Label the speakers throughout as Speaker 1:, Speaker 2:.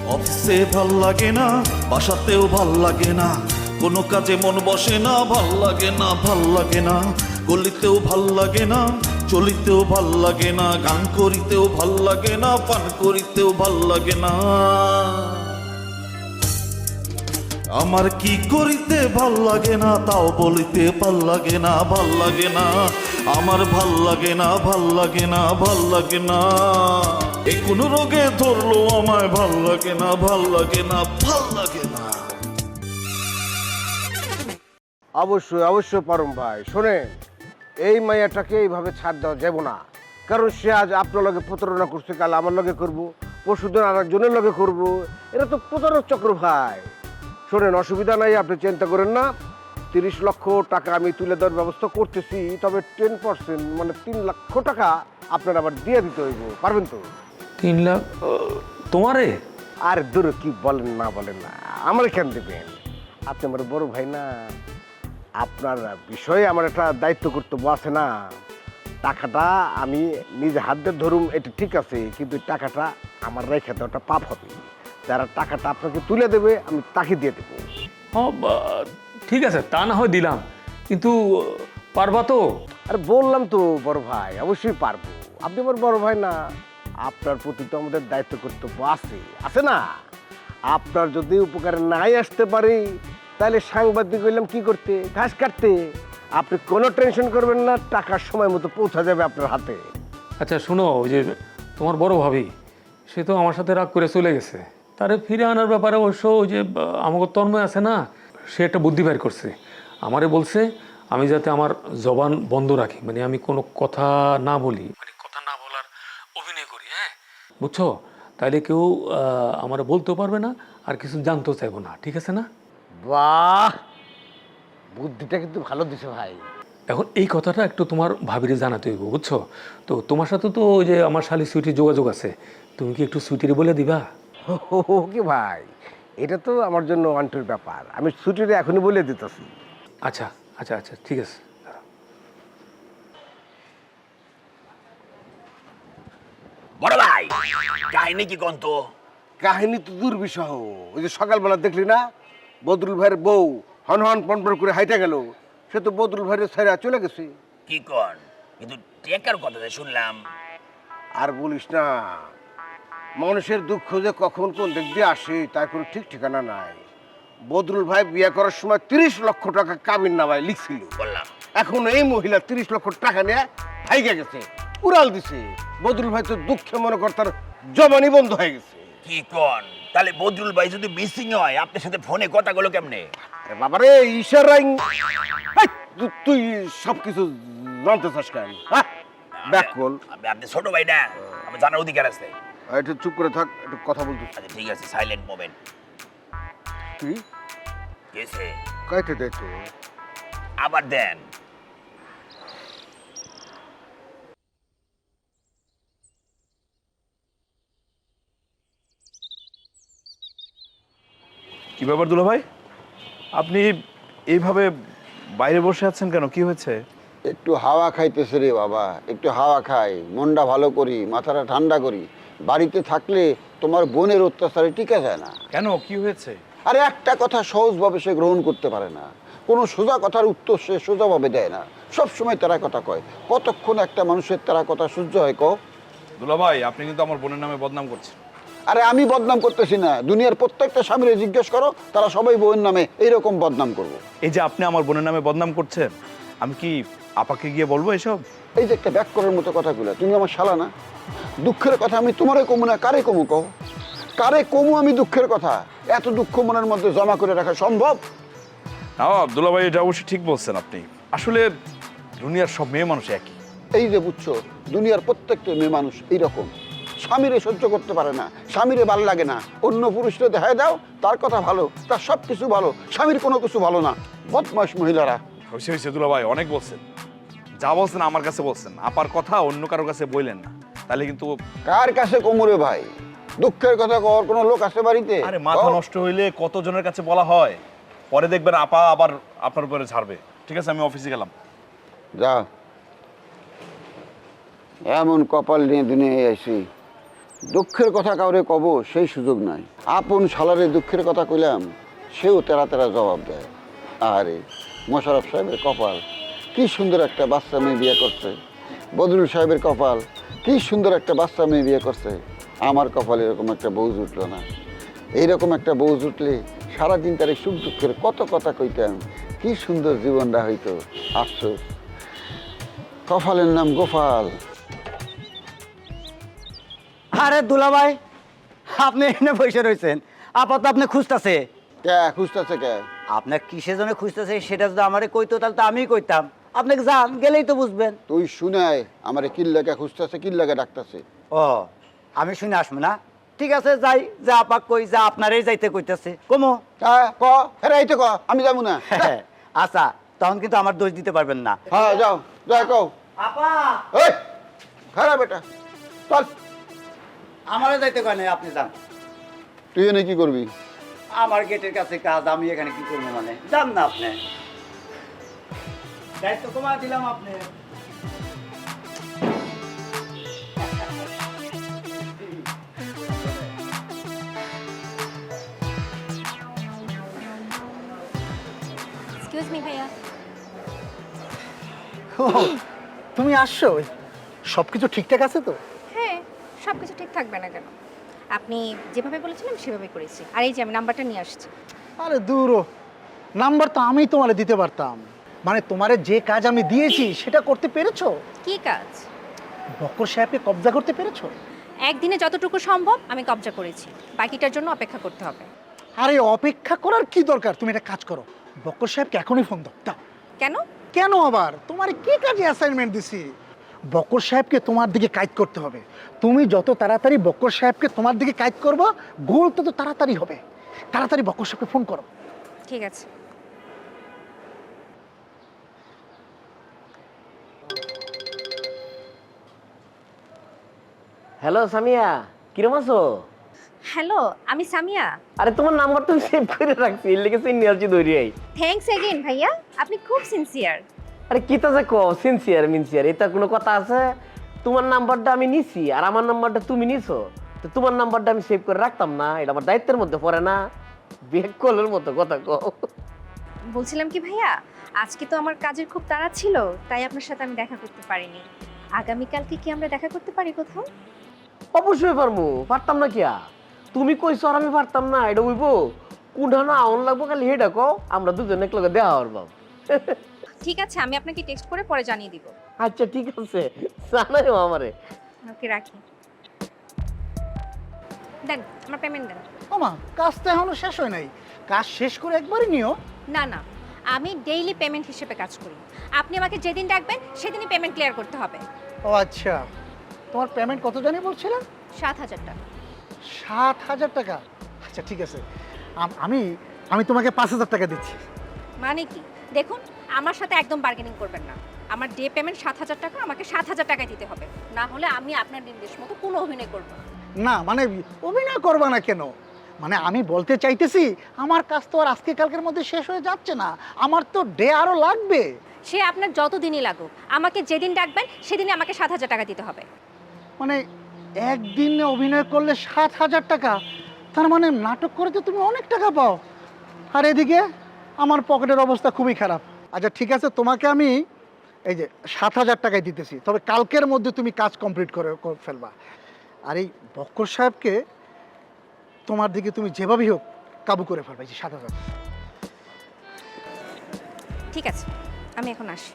Speaker 1: অফিসে ভাল লাগে না, বাসাতেও ভাল লাগে না, কোনো কাজে মন বসে না, ভাল লাগে না, ভাল লাগে না, গলিতেও ভাল লাগে না, চলিতেও ভাল লাগে না, গান করিতেও ভাল লাগে না, পান করিতেও ভাল লাগে না। আমার কি করিতে ভাল লাগে না, তাও বলিতে ভাল লাগে না, ভাল লাগে না, আমার ভাল লাগে না, ভাল লাগে না, ভাল লাগে না। এ কোন রোগে ধরলো আমায়, ভাল লাগে না, ভাল লাগে না, ভাল লাগে না।
Speaker 2: অবশ্যই অবশ্যই পরম ভাই, শোনেন, এই মাইয়াটাকে এইভাবে ছাড় দেওয়া যাব না। কারণ সে আজ আপনার লগে প্রতারণা করছে, কাল আমার লগে করবো, পরশুদিন আর একজনের লগে করবো। এটা তো প্রতারক চক্র ভাই। শোনেন, অসুবিধা নাই, আপনি চিন্তা করেন না। 30 লক্ষ টাকা আমি তুলে দেওয়ার ব্যবস্থা করতেছি, তবে 10% মানে 3 লক্ষ টাকা আপনার আবার দিয়ে দিতে হইব। পারবেন তো?
Speaker 3: 3 লাখ তোমারে?
Speaker 2: আর দূর কি বলেন না বলেন না, আমার কেন দেবেন? আপনি আমার বড় ভাই না, আপনার বিষয়ে আমার একটা দায়িত্ব কর্তব্য আছে না। টাকাটা আমি নিজে হাত দিয়ে ধরুম, এটা ঠিক আছে, কিন্তু টাকাটা আমার রেখে দেওয়াটা পাপ হবে। যারা টাকাটা আপনাকে তুলে দেবে আমি তাকে দিয়ে দেবো।
Speaker 3: ঠিক আছে, তা না হয় দিলাম, কিন্তু পারবা তো?
Speaker 2: আর বললাম তো বড় ভাই, অবশ্যই পারবো। আপনি আমার বড় ভাই না, আপনার প্রতি তো আমাদের দায়িত্ব কর্তব্য আছে, আছে না? আপনার যদি উপকারে নাই আসতে পারি, তাহলে সাংবাদিক হইলাম কি করতে? ঘাস কাটতে। আপনি কোনো টেনশন করবেন না, টাকার সময় মতো পৌঁছা যাবে আপনার হাতে।
Speaker 3: আচ্ছা শোনো, ওই যে তোমার বড় ভাবি, সে তো আমার সাথে রাগ করে চলে গেছে। তারে ফিরে আনার ব্যাপারে অবশ্য ওই যে আমাকে তন্ময় আছে না, সে একটা বুদ্ধি বের করছে। আমারে বলছে আমি যাতে আমার জবান বন্ধ রাখি, মানে আমি কোনো কথা না বলি, মানে কথা না বলার অভিনয় করি। হ্যাঁ, বুঝছো? তাইলে কেউ আমার বলতেও পারবে না, আর কিছু জানতেও চাইবো না। ঠিক আছে না?
Speaker 2: বাহ, বুদ্ধিটা কিন্তু ভালো দিছে ভাই।
Speaker 3: এখন এই কথাটা একটু তোমার ভাবিরে জানাতে হইব, বুঝছো? তো তোমার সাথে তো ওই যে আমার শালি সুইটির যোগাযোগ আছে, তুমি কি একটু সুইটিরে বলে দিবা?
Speaker 2: ওকে ভাই, এটা তো আমার জন্য অন্টের ব্যাপার, আমি ছুটিটা এখনই বলে দিতেছি।
Speaker 3: আচ্ছা আচ্ছা আচ্ছা, ঠিক আছে।
Speaker 4: বড় ভাই, কাহিনী কি কন্ত?
Speaker 2: কাহিনী তো দুর্বিষহ। ওই যে সকালবেলা দেখলি না, বদরুল ভাইয়ের বউ হন হন পনপন করে হাইটা গেল, সে তো বদরুল ভাইয়ের ছেড়ে চলে গেছে।
Speaker 4: কি কন? কিন্তু টেকার কথা যে শুনলাম।
Speaker 2: আর বলিস না, মানুষের দুঃখ যে কখন কোন দিক দিয়ে আসে তার কোনো ঠিক ঠিকানা নাই। বদরুল ভাই বিয়ে করার সময় 30 লক্ষ টাকা কাবিন নামায় লিখছিল,
Speaker 4: বললাম
Speaker 2: এখন এই মহিলা 30 লক্ষ টাকা নিয়ে ভাইগে গেছে, উড়াল দিছে। বদরুল ভাই তো দুঃখে মনে কর তার জবানি বন্ধ হয়ে গেছে।
Speaker 4: কি কন? তাহলে বদরুল ভাই যদি মিসিং হয়, আপনার সাথে ফোনে কথা গুলো কেমনে?
Speaker 2: আরে বাবারে, ইশারাই তুই সবকিছু জানতে চাস কেন? হ্যাঁ, ব্যাক কল।
Speaker 4: আপনি ছোট ভাই না, আমার জানার অধিকার আছে।
Speaker 2: একটু চুপ করে থাক, একটু কথা বলতে।
Speaker 4: আচ্ছা ঠিক আছে, সাইলেন্ট মোমেন্ট।
Speaker 2: তুই
Speaker 4: গেছে,
Speaker 2: কাইতে দে তো।
Speaker 4: আবার দেন।
Speaker 5: কি ব্যাপার দুলা ভাই, আপনি এইভাবে বাইরে বসে আছেন কেন? কি হয়েছে?
Speaker 6: একটু হাওয়া খাইতেছে রে বাবা, একটু হাওয়া খাই, মনটা ভালো করি, মাথাটা ঠান্ডা করি। বাড়িতে থাকলে তোমার বোনের অত্যাচারে টিকা যায় না।
Speaker 5: কেন, কি হয়েছে?
Speaker 6: আরে একটা কথা সহজভাবে সে গ্রহণ করতে পারে না, কোনো সোজা কথার উত্তর সে সোজাভাবে দেয় না, সবসময় তারা কথা কয়। কতক্ষণ একটা মানুষের তারা কথা সহ্য হয় কও?
Speaker 5: দুলা ভাই, আপনি কিন্তু আমার বোনের নামে বদনাম করছেন।
Speaker 6: আরে আমি বদনাম করতেছি না, দুনিয়ার প্রত্যেকটা স্বামীরে জিজ্ঞেস করো, তারা সবাই বউয়ের নামে এইরকম বদনাম করবো।
Speaker 5: এই যে আপনি আমার বোনের নামে বদনাম করছেন, আমি কি আপাকে গিয়ে বলবো এসব?
Speaker 6: এই যে একটা ব্যাক করার মতো কথাগুলো, তুমি আমার শালা না? দুঃখের কথা আমি তোমারে কমু না কারে কমু কও? কারে কমু আমি দুঃখের কথা? এত দুঃখ মনের মধ্যে জমা করে রাখা সম্ভব?
Speaker 5: না দুলা ভাই, এটা অবশ্যই ঠিক বলছেন আপনি। আসলে দুনিয়ার সব মেয়ে মানুষ একই।
Speaker 6: এই যে বুঝছো, দুনিয়ার প্রত্যেকটা মেয়ে মানুষ এইরকম, স্বামীরে সহ্য করতে পারে না, স্বামীরে ভালো লাগে না, অন্য পুরুষরা দেখায় দাও তার কথা ভালো, তার সব কিছু ভালো, স্বামীর কোনো কিছু ভালো না। বদমাশ মহিলারা।
Speaker 5: হয়েছে হয়েছে দুলা ভাই, অনেক বলছেন। যা বলছেন আমার কাছে বলছেন, আপার কথা অন্য কারোর কাছে বললেন না, তাহলে কিন্তু।
Speaker 6: কার কাছে কোমরে ভাই? দুঃখের কথা কওয়ার কোনো লোক আছে বাড়িতে?
Speaker 5: আরে মাথা নষ্ট হইলে কতজনের কাছে বলা হয়, পরে দেখবেন আপা আবার আপনার উপরে ছাড়বে। ঠিক আছে, আমি অফিসে গেলাম।
Speaker 6: যা, এমন কপাল নিয়ে দুনিয়ায় আইছি, দুঃখের কথা কাউরে কব সেই সুযোগ নাই। আপন শালারে দুঃখের কথা কইলাম, সেও তেরা তেরা জবাব দেয়। আরে মোশাররফ সাহেবের কপাল, কি সুন্দর একটা বাচ্চা মেয়ে বিয়ে করছে। বদরুল সাহেবের কপাল, কি সুন্দর একটা বাচ্চা মেয়ে বিয়ে করছে। আমার কপালে এরকম একটা বউ জুটলো না। এইরকম একটা বউ জুটলে সারাদিন তার এই সুখ দুঃখের কত কথা কইতাম, কি সুন্দর জীবনটা হইতো। আফসোস, কপালের নাম গোপাল।
Speaker 7: আরে দুলাভাই, আপনি এখানে বসে রয়েছেন, আপাতত আপনি খুঁজতেছে।
Speaker 6: কে খুঁজতেছে কে?
Speaker 7: আপনার কিসের জন্য খুঁজতেছে সেটা যদি আমারে কইতো তাহলে তো আমিই কইতাম। আপনাকে যান, গেলেই তো বুঝবেন।
Speaker 6: তুই শুনায় আমার কিল্লাকে খুঁজতেছে, কিল্লাকে ডাকতেছে।
Speaker 7: ও, আমি শুনে আসবো না? ঠিক আছে, যাই, যা আপাক কই, যা আপনারই যাইতে কইতেছে কমো।
Speaker 6: হ্যাঁ ক, ফেরাইতে ক, আমি যাবো না।
Speaker 7: আচ্ছা, তখন কিন্তু আমার দোষ দিতে পারবেন না।
Speaker 6: হ্যাঁ যাও, যাই কও।
Speaker 7: আপা,
Speaker 6: এই ফেরা বেটা, চল।
Speaker 7: আমারও যাইতে কয় নাই, আপনি যান।
Speaker 6: তুই এনে কি করবি?
Speaker 7: আমার গেটের কাছে কাজ, আমি এখানে কি করবো মানে? যান না আপনি, দায়িত্ব কমা দিলাম আপনি।
Speaker 8: এক্সকিউজ মি ভাইয়া।
Speaker 9: ও, তুমি আসছো? সব কিছু ঠিকঠাক আছে তো?
Speaker 8: হ্যাঁ, সব কিছু ঠিক থাকবে না কেন? আপনি যেভাবে বলেছিলেন সেভাবে করেছি। আর এই যে আমি নাম্বারটা নিয়ে আসছি।
Speaker 9: আরে দূরও, নাম্বার তো আমি তোমারে দিতে পারতাম। মানে তোমারে যে কাজ আমি দিয়েছি সেটা করতে পেরেছো?
Speaker 8: কি কাজ?
Speaker 9: বক্কর সাহেবকে কবজা করতে পেরেছো?
Speaker 8: একদিনে যতটুকু সম্ভব আমি কবজা করেছি, বাকিটার জন্য অপেক্ষা করতে হবে।
Speaker 9: আরে অপেক্ষা করার কি দরকার? তুমি একটা কাজ করো, বক্কর সাহেবকে এখনই ফোন দাও। দাও।
Speaker 8: কেন?
Speaker 9: কেন আবার? তোমার কি কাজে অ্যাসাইনমেন্ট দিছি? বক্কর সাহেবকে তোমার দিকে কাজ করতে হবে। তুমি যত তাড়াতাড়ি বক্কর সাহেবকে তোমার দিকে কাজ করবো, গোল তত তাড়াতাড়ি হবে। তাড়াতাড়ি বক্কর সাহেবকে ফোন করো।
Speaker 8: ঠিক আছে।
Speaker 10: হ্যালো সামিয়া, কিরম আছো?
Speaker 8: হ্যালো, আমি সামিয়া।
Speaker 10: আরে তোমার নাম্বার তো সেভ করে রাখছি, লিখেছি নিয়ে দৌড়িয়াই।
Speaker 8: থ্যাঙ্কস এগেইন ভাইয়া, আপনি খুব সিনসিয়ার।
Speaker 10: আরে কি তো যে কো সিনসিয়ার মিনসিয়ার, এটা কোনো কথা আছে? তোমার নাম্বারটা আমি নিছি আর আমার নাম্বারটা তুমি নিছো, তো তোমার নাম্বারটা আমি সেভ করে রাখতাম না? এটা আমার দায়িত্বের মধ্যে পড়ে না? বেক কলের মতো কথা কও।
Speaker 8: বলছিলাম কি ভাইয়া, আজকে তো আমার কাজের খুব তাড়া ছিল, তাই আপনার সাথে আমি দেখা করতে পারিনি। আগামীকালকে কি আমরা দেখা করতে পারি কোথাও?
Speaker 10: অবশ্যই পারমু, পারতাম না কিয়া? তুমি কইছো আর আমি পারতাম না? এটা হইব কোনটা না আউন লাগবো, খালি হেটা কও, আমরা দুজন একলগে দেখা হরব।
Speaker 8: ঠিক আছে, আমি আপনাকে টেক্সট করে পরে জানিয়ে দিব।
Speaker 10: আচ্ছা ঠিক আছে, জানাইও আমারে।
Speaker 8: ওকে, রাখি। দেন, আমার পেমেন্ট দেন।
Speaker 9: ওমা, কাজ তো এখনো শেষ হয় নাই। কাজ শেষ করে একবারই নিও।
Speaker 8: না না, আমি ডেইলি পেমেন্ট হিসেবে কাজ করি। আপনি আমাকে যেদিন ডাকবেন সেদিনই পেমেন্ট ক্লিয়ার করতে হবে।
Speaker 9: ও আচ্ছা, তোমার পেমেন্ট কত জানি বলছিলে?
Speaker 8: 7,000 টাকা।
Speaker 9: 7,000 টাকা? আচ্ছা ঠিক আছে, আমি আমি তোমাকে 5,000 টাকা দিচ্ছি।
Speaker 8: মানে কি? দেখুন, আমার সাথে একদম বার্গেনিং করবেন না। আমার ডে পেমেন্ট 7,000 টাকা, আমাকে 7,000 টাকায় দিতে হবে। না হলে আমি আপনার নির্দেশ মতো কোনো অভিনয় করব না।
Speaker 9: না মানে অভিনয় করবা না কেন? মানে আমি বলতে চাইতেছি, আমার কাজ তো আর আজকে কালকের মধ্যে শেষ হয়ে যাচ্ছে না, আমার তো ডে আরো লাগবে।
Speaker 8: সে আপনার যত দিনই লাগুক, আমাকে যেদিন ডাকবেন সেদিনই আমাকে 7,000 টাকা দিতে হবে।
Speaker 9: মানে একদিনে অভিনয় করলে 7,000 টাকা? তার মানে নাটক করে তো তুমি অনেক টাকা পাও। আর এদিকে আমার পকেটের অবস্থা খুবই খারাপ। আচ্ছা ঠিক আছে, তোমাকে আমি এই যে 7,000 টাকায় দিতেছি, তবে কালকের মধ্যে তুমি কাজ কমপ্লিট করে ফেলবা। আর এই বক্কর সাহেবকে তোমার দিকে তুমি যেভাবেই হোক কাবু করে ফেলবা। এই যে 7,000।
Speaker 8: ঠিক আছে, আমি এখন আসি।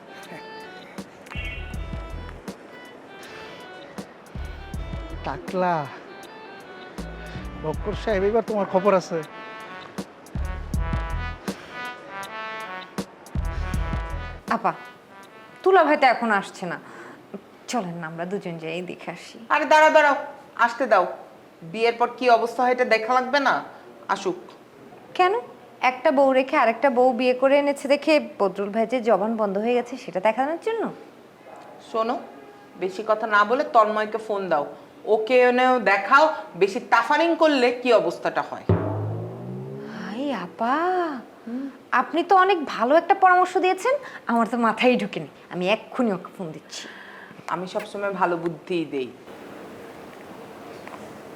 Speaker 9: টাকলা, বক্কর সাহেব এবার তোমার খবর আছে।
Speaker 11: আপা, তুলা ভাই তো এখন আসছে না, চলেন না আমরা দুজন যাই দেখে আসি।
Speaker 12: আরে দাঁড়াও দাঁড়াও, আসতে দাও। বিয়ের পর কি অবস্থা হয় এটা দেখা লাগবে না? আসুক।
Speaker 11: কেন? একটা বউ রেখে আরেকটা বউ বিয়ে করে এনেছে দেখে বদরুল ভাই যে জবান বন্ধ হয়ে গেছে সেটা দেখানোর জন্য?
Speaker 12: শোনো, বেশি কথা না বলে তন্ময়কে ফোন দাও, ওকে এনেও দেখাও বেশি টাফারিং করলে কি অবস্থাটা হয়।
Speaker 11: হাই আপা, আপনি তো অনেক ভালো একটা পরামর্শ দিয়েছেন, আমার তো মাথায় ঢুকেনি। আমি এক্ষুনি ওকে ফোন দিচ্ছি।
Speaker 12: আমি সবসময় ভালো বুদ্ধিই দেই।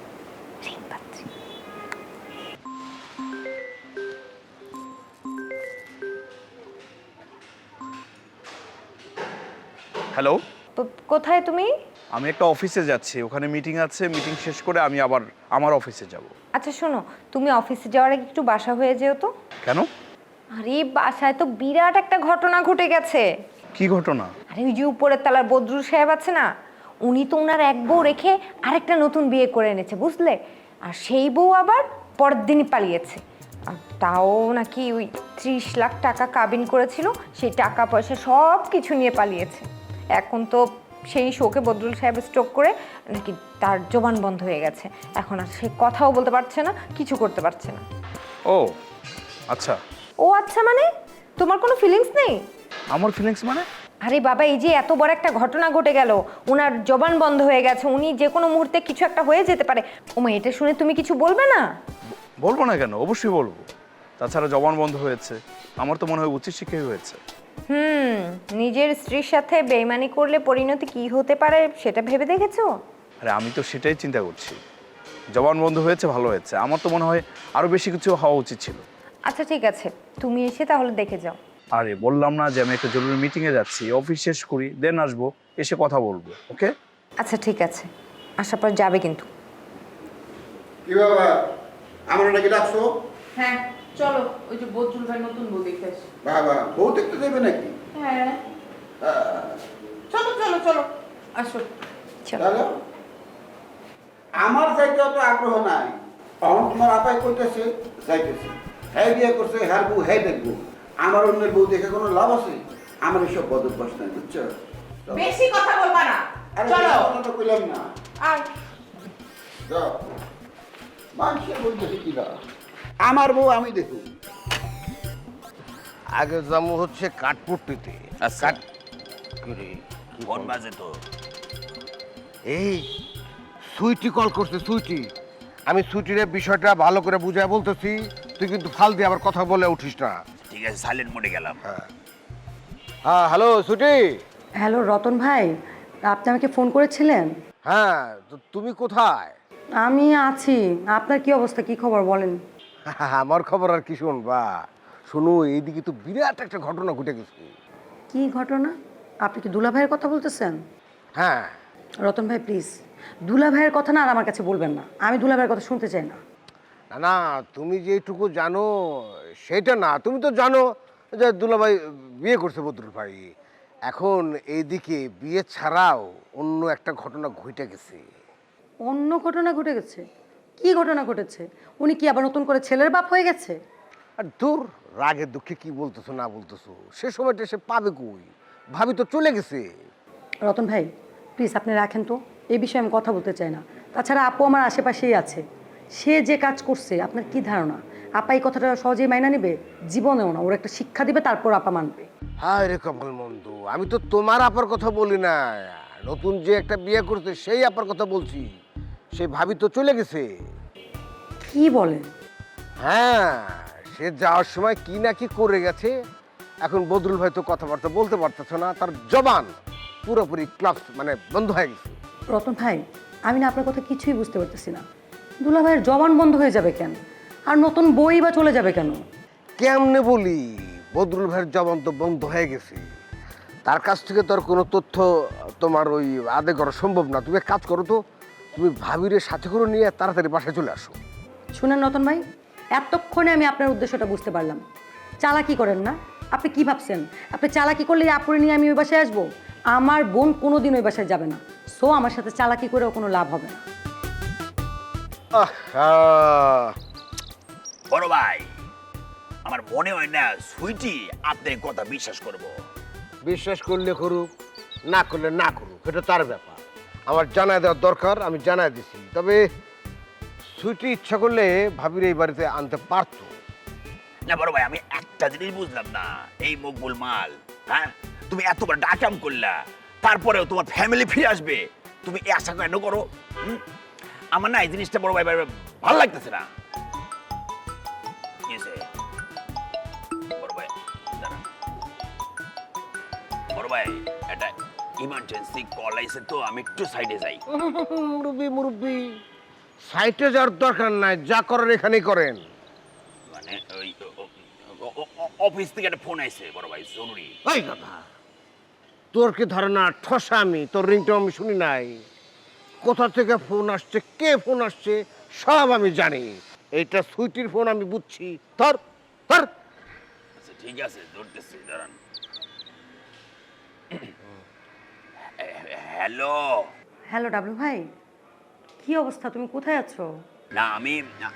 Speaker 5: হ্যালো,
Speaker 11: কোথায় তুমি?
Speaker 5: আমি একটা অফিসে যাচ্ছি, ওখানে মিটিং আছে, মিটিং শেষ করে আমি আবার আমার অফিসে যাব।
Speaker 11: আচ্ছা শোনো, তুমি অফিসে যাওয়ার আগে একটু বাসা হয়ে যেও তো।
Speaker 5: কেন?
Speaker 11: আরে বাসায় তো বিরাট একটা ঘটনা ঘটে গেছে।
Speaker 5: কি ঘটনা?
Speaker 11: আরে ওই যে উপরের তলার বদরুল সাহেব আছে না, উনি তো ওনার এক বউ রেখে আরেকটা নতুন বিয়ে করে এনেছে, বুঝলে? আর সেই বউ আবার পরের দিনই পালিয়েছে। আর তাও নাকি ওই 30 লাখ টাকা কাবিন করেছিল, সেই টাকা পয়সা সব কিছু নিয়ে পালিয়েছে। এখন তো সেই শোকে বদরুল সাহেব স্ট্রোক করে নাকি তার জবান বন্ধ হয়ে গেছে। এখন আর সে কথাও বলতে পারছে না, কিছু করতে পারছে না।
Speaker 5: ও আচ্ছা।
Speaker 11: ও আচ্ছা মানে? তোমার কোনো ফিলিংস নেই?
Speaker 5: আমার ফিলিংস মানে?
Speaker 11: আরে বাবা, এই যে এত বড় একটা ঘটনা ঘটে গেল, ওনার জবান বন্ধ হয়ে গেছে, উনি যে কোনো মুহূর্তে কিছু একটা হয়ে যেতে পারে। ওমা, এটা শুনে তুমি কিছু বলবে না?
Speaker 5: বলবো না কেন, অবশ্যই বলবো। তাছাড়া জবান বন্ধ হয়েছে, আমার তো মনে হয় উচিত শিক্ষাই হয়েছে।
Speaker 11: নিজের স্ত্রীর সাথে বেইমানি করলে পরিণতি কি হতে পারে সেটা ভেবে দেখেছো?
Speaker 5: আরে আমি তো সেটাই চিন্তা করছি। জবান বন্ধ হয়েছে, ভালো হয়েছে। আমার তো মনে হয় আরো বেশি কিছু হওয়া উচিত ছিল।
Speaker 11: আচ্ছা ঠিক আছে, তুমি এসে তাহলে দেখে যাও।
Speaker 5: আরে বললাম না যে আমি একটা জরুরি মিটিংয়ে যাচ্ছি, অফিস শেষ করি দেন আসবো, এসে কথা বলবো। ওকে?
Speaker 11: আচ্ছা ঠিক আছে, আসার পর যাবে কিন্তু।
Speaker 6: কি বাবা, আমরা নাকি ডাকছো?
Speaker 12: হ্যাঁ চলো, ওই যে বদরুল ভাই নতুন বউ দেখে আসি।
Speaker 6: বাবা, বউ দেখতে দেবে নাকি?
Speaker 12: হ্যাঁ চলো চলো চলো, আসো।
Speaker 6: চলো। আমার যাইতে অত আগ্রহ নাই। তখন তোমার আপাই কইতেছে যাইতেছে, হ্যাঁ বিয়ে করছে, হ্যাঁ বউ হ্যাঁ দেখবো। আমার অন্যের বউ দেখে কোনো লাভ আছে? আমার এসব বদ অভ্যাস নাই, বুঝছো?
Speaker 12: বেশি কথা বলবা না,
Speaker 6: আরে
Speaker 12: চলো।
Speaker 6: কথা তো কইলাম না।
Speaker 12: আর
Speaker 6: যাও। মানুষের বউ দেখে কি লাভ? আমার বউ আমি দেখুন। আগে যাবো হচ্ছে কাঠপুট্টিতে।
Speaker 4: আচ্ছা।
Speaker 6: ফোন বাজে তো। এই সুইটি কল করছে, সুইটি। আমি সুইটির বিষয়টা ভালো করে বুঝায় বলতেছি, তুই কিন্তু ফাল দিয়ে আবার কথা বলে উঠিস না।
Speaker 4: ঠিক আছে, সাইলেন্ট মোডে গেলাম।
Speaker 2: হ্যাঁ হ্যালো সুইটি।
Speaker 13: হ্যালো রতন ভাই, আপনি আমাকে ফোন করেছিলেন?
Speaker 2: হ্যাঁ, তো তুমি কোথায়?
Speaker 13: আমি আছি। আপনার কি অবস্থা, কি খবর বলেন?
Speaker 2: আমার খবর আর কি শুনবা? শুনো, এইদিকে তো বিরাট একটা ঘটনা ঘটে গেছে।
Speaker 13: কি ঘটনা? আপনি কি দুলা ভাইয়ের কথা বলতেছেন?
Speaker 2: হ্যাঁ।
Speaker 13: রতন ভাই প্লিজ, দুলা ভাইয়ের কথা না আর আমার কাছে বলবেন না। আমি দুলা ভাইয়ের কথা শুনতে চাই না।
Speaker 2: না না, তুমি যেটুকু জানো সেটা না। তুমি তো জানো যে দুলাভাই বিয়ে করছে বদরুল ভাই। এখন এইদিকে বিয়ে ছাড়াও অন্য একটা ঘটনা ঘটে গেছে।
Speaker 13: অন্য ঘটনা ঘটে গেছে? কি ঘটনা ঘটেছে? উনি কি আবার নতুন করে ছেলের বাপ হয়ে গেছে?
Speaker 2: আর দূর, রাগে দুঃখে কি বলতেছো না বলতেছো, সে সময়টা সে পাবে কই? ভাবি তো চলে গেছে।
Speaker 13: রতন ভাই প্লিজ আপনি রাখেন তো, এই বিষয়ে আমি কথা বলতে চাই না। তাছাড়া আপু আমার আশেপাশেই আছে, সে যে কাজ করছে আপনার কি ধারণা আপা এই কথাটা সহজেই মাইনা নেবে? জীবনেও না, ওর একটা শিক্ষা দিবে তারপর আপা মানবে।
Speaker 2: হায় রে কপাল মন্দ, আমি তো তোমার আপার কথা বলি না, নতুন যে একটা বিয়ে করছে সেই আপার কথা বলছি। সেই ভাবি তো চলে গেছে।
Speaker 13: কি বলেন?
Speaker 2: হ্যাঁ, সে যাওয়ার সময় কি না কি করে গেছে। এখন বদরুল ভাই তো কথাবার্তা বলতে পারতেছে না, তার জবান পুরোপুরি ক্লাস মানে বন্ধ হয়ে গেছে।
Speaker 13: রতন ভাই, আমি না আপনার কথা কিছুই বুঝতে পারতেছি না। দুলা ভাইয়ের জবান বন্ধ হয়ে যাবে কেন? আর নতুন বই বা চলে যাবে কেন?
Speaker 2: কেমনে বলি, বদরুল ভাইয়ের জবান তো বন্ধ হয়ে গেছে। তার কাছ থেকে তোর কোনো তথ্য তোমার ওই আদে করা সম্ভব না। তুমি এক কাজ করো তো, তুমি ভাবিরে সাথে করে নিয়ে তাড়াতাড়ি বাসায় চলে আসো।
Speaker 13: শুনেন রতন ভাই, এতক্ষণে আমি আপনার উদ্দেশ্যটা বুঝতে পারলাম। চালাকি করেন না। আপনি কি ভাবছেন আপনি চালাকি করলে আপুরে নিয়ে আমি ওই বাসায় আসবো? আমার বোন কোনোদিন ওই বাসায় যাবে না। সো আমার সাথে চালাকি করেও কোনো লাভ হবে না।
Speaker 4: বড় ভাই, আমার মনে হয় না সুইটি আপনার কথা বিশ্বাস করব।
Speaker 2: বিশ্বাস করলে করুক, না করলে না করুক, এটা তার ব্যাপার। আমার জানাই দেওয়ার দরকার, আমি জানাই দিছি। তবে সুইটি ইচ্ছা করলে ভাবির এই বাড়িতে আনতে পারতো।
Speaker 4: না বড় ভাই, আমি একটা জিনিস বুঝলাম না, এই মকবুল মাল, হ্যাঁ তুমি এতবার ডাকাম করলা, তারপরেও তোমার ফ্যামিলি ফিরে আসবে, তুমি এই আশা কেন করো? আমার না এই জিনিসটা বড় ভাই ভালো লাগতেছে না। বড় ভাই দাঁড়া, বড় ভাই এটা ইমার্জেন্সি কল আইছে তো, আমি একটু সাইডে যাই।
Speaker 2: মুরব্বি সাইটে যাওয়ার দরকার নাই, যা করার এখানেই করেন।
Speaker 4: মানে ওই অফিস থেকে একটা ফোন আইছে বড় ভাই, জরুরি।
Speaker 2: ওই কথা, তোর কি ধারণা ঠসা আমি? তোর রিংটা আমি শুনি নাই। কোথা থেকে ফোন আসছে, কে ফোন আসছে, সব আমি জানি। এইটা সুইটির ফোন, আমি বুঝছি। ধর ধর।
Speaker 4: আচ্ছা ঠিক আছে, ধরতেছি, দাঁড়ান। হ্যালো।
Speaker 13: হ্যালো ডাবলু ভাই, কি অবস্থা? তুমি কোথায় আছো?
Speaker 4: না আমি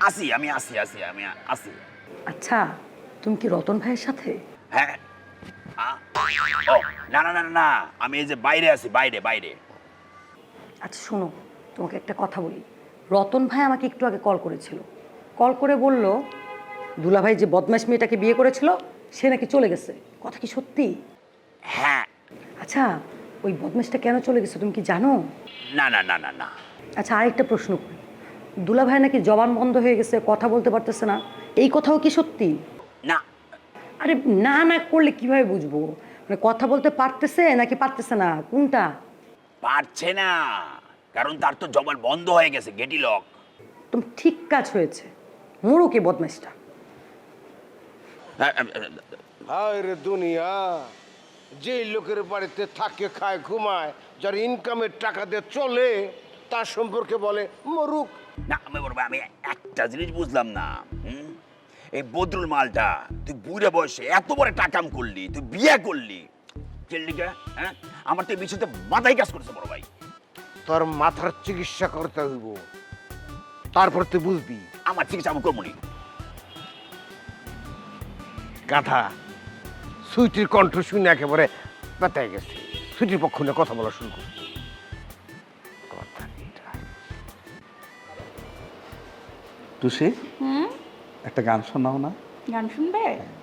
Speaker 4: আসি।
Speaker 13: আচ্ছা, তুমি কি রতন ভাইয়ের সাথে?
Speaker 4: হ্যাঁ। ও না না না না, আমি এই যে বাইরে আছি, বাইরে।
Speaker 13: আচ্ছা শোনো, তোমাকে একটা কথা বলি। রতন ভাই আমাকে একটু আগে কল করেছিল। কল করে বলল দুলাভাই যে বদমাশ মেয়েটাকে বিয়ে করেছিল সে নাকি চলে গেছে। কথা কি সত্যি?
Speaker 4: হ্যাঁ।
Speaker 13: আচ্ছা, ওই বদমাশটা কেন চলে গেছে তুমি কি জানো?
Speaker 4: না না না না না।
Speaker 13: আচ্ছা, আরেকটা প্রশ্ন করি। দুলাভাই নাকি জবান বন্ধ হয়ে গেছে, কথা বলতে পারতেছে না, এই কথাও কি সত্যি?
Speaker 4: না।
Speaker 13: আরে না না করলে কিভাবে বুঝবো? মানে কথা বলতে পারতেছে নাকি পারতেছে না, কোনটা?
Speaker 4: পারছে না, কারণ তার তো জবান বন্ধ হয়ে গেছে, গেটি লক।
Speaker 13: তুমি ঠিক কাজ হয়েছে, মরুক এই বদমাশটা।
Speaker 2: হায় রে দুনিয়া, যে লোকের বাড়িতে থাকে, খায়, ঘুমায়, যার ইনকামের টাকা দিয়ে চলে, তার সম্পর্কে বলে মরুক।
Speaker 4: না আমি একটা জিনিস বুঝলাম না। এই বদরুল মালটা তুই বুড়ে বয়সে এত বড় টাকাম করলি, তুই বিয়ে করলি চেল্লিকা, হ্যাঁ? আমার তো এই বিষয়তে মাথায় কাজ করছে বড় ভাই।
Speaker 2: তোর মাথার চিকিৎসা করতে হইব, তারপর তুই বুঝবি।
Speaker 4: আমার চিকিৎসা আমি করবো নি।
Speaker 2: গাধা, সুইটির কণ্ঠ শুনে একেবারে পেতায় গেছে। সুইটির পক্ষ নিয়ে কথা বলা শুরু করছে।
Speaker 1: টুসি, একটা গান শোনাও না।
Speaker 14: গান শুনবে?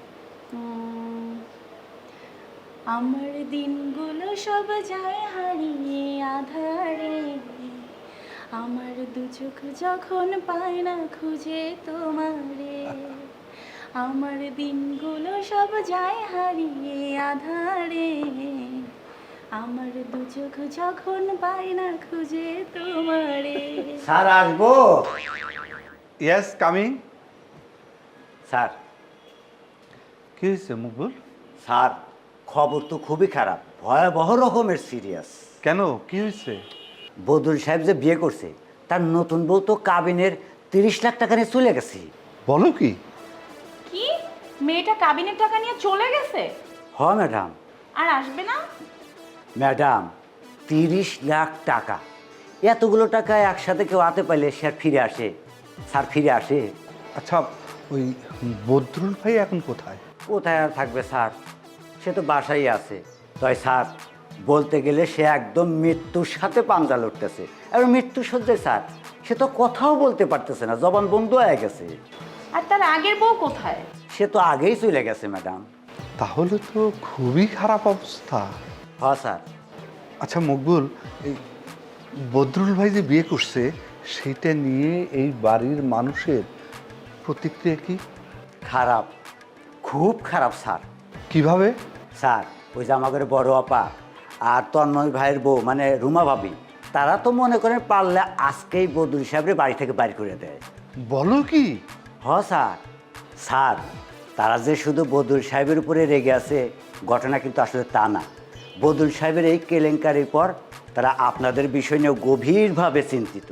Speaker 14: আমার দিনগুলো সব যায় হারিয়ে আধারে, আমার দু চোখ যখন পায় না খুঁজে তোমারে, আমার দিনগুলো সব যায় হারিয়ে আধারে, আমার দু চোখ যখন পায় না খুঁজে তোমারে।
Speaker 7: স্যার আসবো?
Speaker 1: Yes, coming.
Speaker 7: স্যার।
Speaker 1: কি হয়েছে মকবুল?
Speaker 7: স্যার, খবর তো খুবই খারাপ, ভয়াবহ রকমের সিরিয়াস।
Speaker 1: কেন, কি হয়েছে?
Speaker 7: বদরুল সাহেব যে বিয়ে করছে, তার নতুন বউ তো কাবিনের 30 লাখ টাকা নিয়ে চলে গেছে।
Speaker 1: বলো কি?
Speaker 14: কি, মেয়েটা কাবিনের টাকা নিয়ে চলে গেছে?
Speaker 7: হ্যাঁ ম্যাডাম।
Speaker 14: আর আসবে না?
Speaker 7: ম্যাডাম, 30 লাখ টাকা, এতগুলো টাকা একসাথে কেউ হাতে পাইলে সে আর ফিরে আসে? স্যার ফিরে আসে?
Speaker 1: আচ্ছা, ওই বদরুল ভাই এখন কোথায়?
Speaker 7: কোথায় আর থাকবে স্যার, সে তো বাসায় আছে। তাই স্যার, বলতে গেলে সে একদম মৃত্যুর সাথে পাঞ্জা লড়তেছে। আর মৃত্যু সজ্জায় স্যার, সে তো কথাও বলতে পারতেছে না, জবান বন্ধ হয়ে গেছে।
Speaker 14: আর তার আগের বউ কোথায়?
Speaker 7: সে তো আগেই চলে গেছে ম্যাডাম।
Speaker 1: তাহলে তো খুবই খারাপ অবস্থা।
Speaker 7: হ্যাঁ স্যার।
Speaker 1: আচ্ছা মকবুল, এই বদরুল ভাই যে বিয়ে করছে সেটা নিয়ে এই বাড়ির মানুষের প্রতিক্রিয়া কি?
Speaker 7: খারাপ, খুব খারাপ স্যার।
Speaker 1: কিভাবে?
Speaker 7: স্যার, ওই যে আমাদের বড় আপা আর তন্ময় ভাইয়ের বউ মানে রুমা ভাবি, তারা তো মনে করেন পারলে আজকেই বদরুল সাহেবের বাড়ি থেকে বাইর করে দেয়।
Speaker 1: বলো কি?
Speaker 7: হ্যাঁ স্যার। স্যার, তারা যে শুধু বদরুল সাহেবের উপরে রেগে আছে, ঘটনা কিন্তু আসলে তা না। বদরুল সাহেবের এই কেলেঙ্কারির পর তারা আপনাদের বিষয় নিয়ে গভীরভাবে চিন্তিত।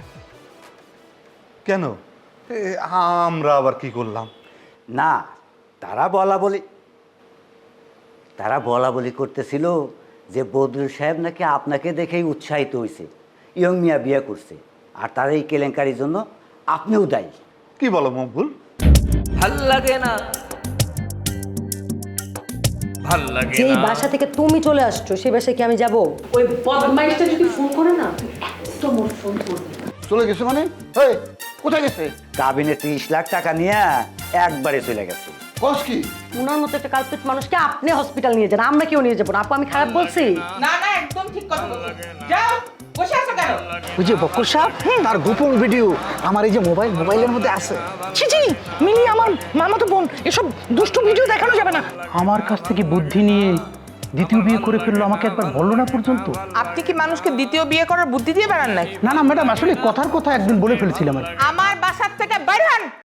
Speaker 1: কেন, আমরা আবার কি করলাম?
Speaker 7: না, তারা বলা বলি করতেছিল যে বদরুল সাহেব নাকি আপনাকে দেখেই উৎসাহিত হয়েছে, ইয়ং মিয়া বিয়ে করছে, আর তার এই কেলেঙ্কারির জন্য আপনিও দায়ী।
Speaker 1: কি বলো মকবুল?
Speaker 10: ভাল লাগে না, ভাল লাগে
Speaker 13: যেই
Speaker 10: না।
Speaker 13: বাসা থেকে তুমি চলে আসছো সেই বাসায় কি আমি যাব?
Speaker 10: ওই বদমাইশটা যদি ফোন করে না, একদম ওর ফোন করবে।
Speaker 2: চলে গেছে মানে? কোথায় গেছে?
Speaker 7: কাবিনে 30 লাখ টাকা নিয়ে একবারে চলে গেছে।
Speaker 2: কস কি?
Speaker 13: উনার মতো একটা কালপিট মানুষকে আপনি হসপিটাল নিয়ে যান, আমরা কেউ নিয়ে যাবো না। আপু, আমি খারাপ বলছি?
Speaker 12: না না, একদম ঠিক কথা বলছো। যাও, বসে আছো কেন?
Speaker 9: ওই যে বক্কর সাহেব, তার গোপন ভিডিও আমার এই যে মোবাইলের মধ্যে আছে। ছি ছি, মিলি আমার মামাতো বোন, এসব দুষ্টু ভিডিও দেখানো যাবে না। আমার কাছ থেকে বুদ্ধি নিয়ে দ্বিতীয় বিয়ে করে ফেললো, আমাকে একবার বললো না পর্যন্ত।
Speaker 12: আপনি কি মানুষকে দ্বিতীয় বিয়ে করার বুদ্ধি দিয়ে বেড়ান নাকি?
Speaker 9: না না ম্যাডাম, আসলে কথার কথা একদিন বলে ফেলেছিলাম।
Speaker 12: আমার বাসার থেকে বের হন।